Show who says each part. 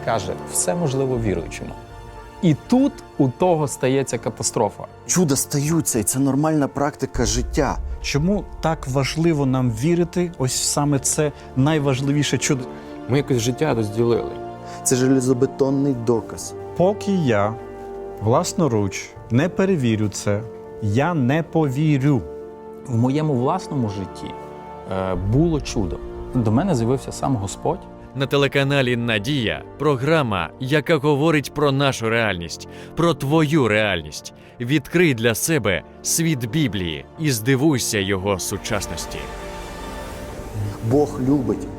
Speaker 1: каже, все можливо віруючому. І тут у того стається катастрофа.
Speaker 2: Чуда стаються, і це нормальна практика життя.
Speaker 3: Чому так важливо нам вірити? Ось саме це найважливіше чудо.
Speaker 4: Ми якось життя розділили.
Speaker 2: Це железобетонний доказ.
Speaker 3: Поки я власноруч не перевірю це, я не повірю.
Speaker 1: В моєму власному житті було чудо. До мене з'явився сам Господь.
Speaker 5: На телеканалі «Надія» програма, яка говорить про нашу реальність, про твою реальність. Відкрий для себе світ Біблії і здивуйся його сучасності.
Speaker 2: Бог любить